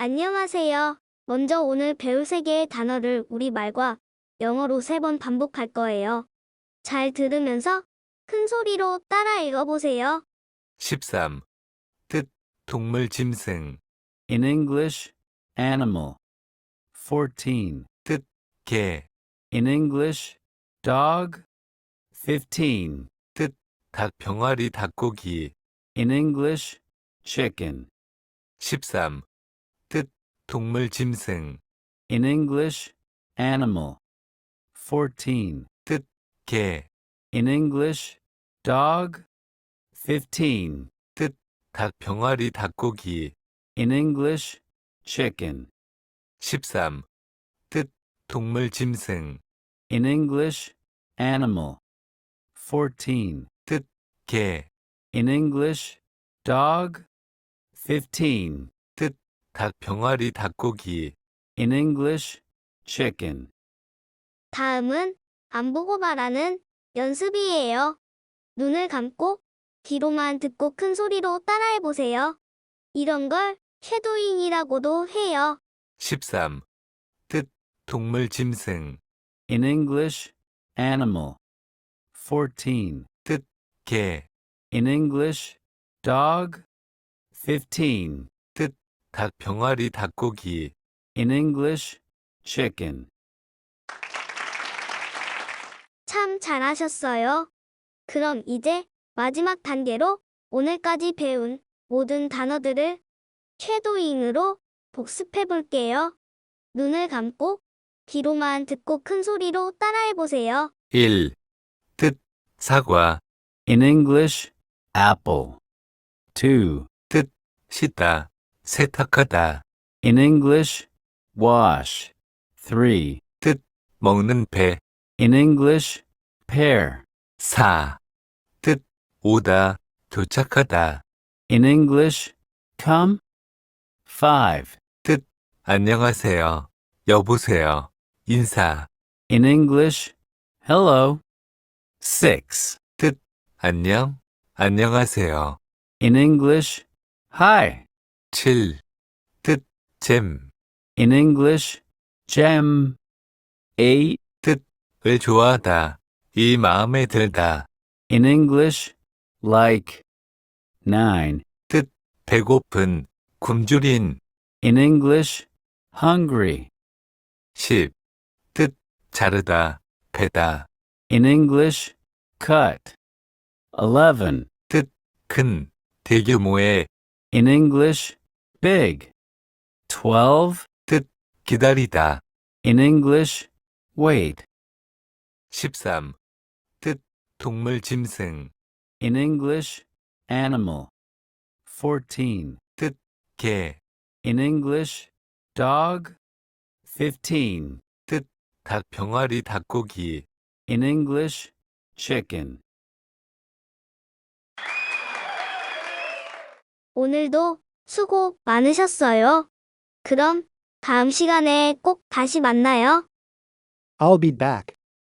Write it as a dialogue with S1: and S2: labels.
S1: 안녕하세요. 먼저 오늘 배울 세 개의 단어를 우리말과 영어로 3번 반복할 거예요. 잘 들으면서 큰 소리로 따라 읽어보세요.
S2: 13. 뜻, 동물 짐승.
S3: In English, animal. 14.
S2: 뜻, 개.
S3: In English, dog. 15.
S2: 뜻, 닭 병아리 닭고기.
S3: In English, chicken.
S2: 13. 뜻, 동물 짐승.
S3: In English, animal. 14.
S2: 뜻, 개.
S3: In English, dog. 15.
S2: 뜻, 닭 병아리 닭고기.
S3: In English, chicken.
S2: 13. 뜻, 동물 짐승.
S3: In English, animal. 14.
S2: 뜻, 개.
S3: In English, dog. 15.
S2: 뜻, 닭 병아리 닭고기.
S3: In English, chicken.
S1: 다음은 안 보고 말하는 연습이에요. 눈을 감고 귀로만 듣고 큰 소리로 따라해보세요. 이런 걸 쉐도잉이라고도 해요.
S2: 13. 뜻, 동물 짐승.
S3: In English, animal. 14.
S2: 뜻, 개.
S3: In English, dog. 15.
S2: 뜻, 닭 병아리 닭고기.
S3: In English, chicken.
S1: 참 잘하셨어요. 그럼 이제 마지막 단계로 오늘까지 배운 모든 단어들을 쉐도잉으로 복습해 볼게요. 눈을 감고 귀로만 듣고 큰 소리로 따라해보세요.
S2: 1. 뜻, 사과.
S3: In English, apple. 2.
S2: 씻다, 세탁하다.
S3: In English, wash. 3.
S2: 먹는 배.
S3: In English, pear.
S2: 4. 뜻, 오다, 도착하다.
S3: In English, come. 5.
S2: 안녕하세요. 여보세요. 인사.
S3: In English, hello. 6.
S2: 안녕. 안녕하세요.
S3: In English, hi.
S2: 7. 잼.
S3: In English, gem. 8.
S2: 을 좋아하다. 이 마음에 들다.
S3: In English, like. 9.
S2: 배고픈, 굶주린.
S3: In English, hungry.
S2: 10. 자르다, 베다.
S3: In English, cut. 11.
S2: 큰, 대규모의.
S3: In English, big. 12.
S2: 기다리다.
S3: In English, wait.
S2: 13. 동물 짐승.
S3: In English, animal. 14.
S2: 개.
S3: In English, dog. 15.
S2: 닭 병아리 닭고기.
S3: In English, chicken.
S1: 오늘도 수고 많으셨어요. 그럼 다음 시간에 꼭 다시 만나요.
S4: I'll be back.